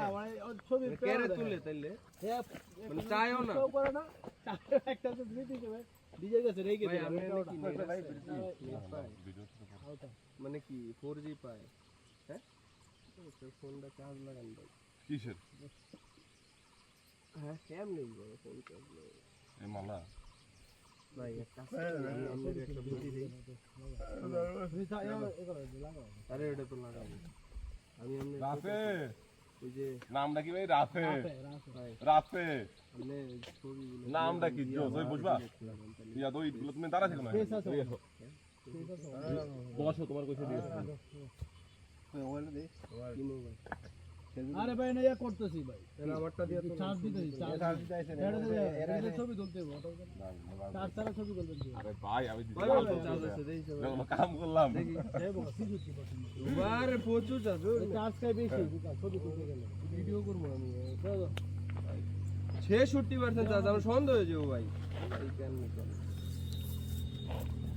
না মানে ছবি কেরে তুলে তাইলে মানে চাইও না করে না একটা তো দিতে হবে ডিজে গেছে রেখে ভাই আমি দিই মানে কি 4G পায় হ্যাঁ ফোনটা চার্জ লাগান ভাই কিসের হ্যাঁ কেমনে ভাই ফোন চার্জ লাগাই এই মালা ভাই একটা আমি একটা বুদ্ধি দেই আরে এটা তো লাগাবো আমি এমনি রাফে ওই যে নামটা কি ভাই রাফে ভাই রাফে আপনি ছবিগুলো নামটা কি জো তুই বুঝবা ইয়া তো ইগুলো তুমি দাঁড়া থেকো না বসো তোমার কইছে দিয়েছে কি মোবাইল আরে ভাই না ইয়া করতেছি ভাই এরা আমারটা দিয়ে তো চার্জ দিতেছি চার্জ দিতেছি এরা ছবি তুলতে হবে চার চার ছবি তুলতে হবে আরে ভাই আমি ভাই চার্জ আছে দেই সব কাম করলাম আরে প্রচুর চার্জ চার্জ খাই বেশি ছবি তুলতে গেলে ভিডিও করব আমি 66% চার্জ আমার সন্দেহ হয়ে যাবো ভাই এই কেন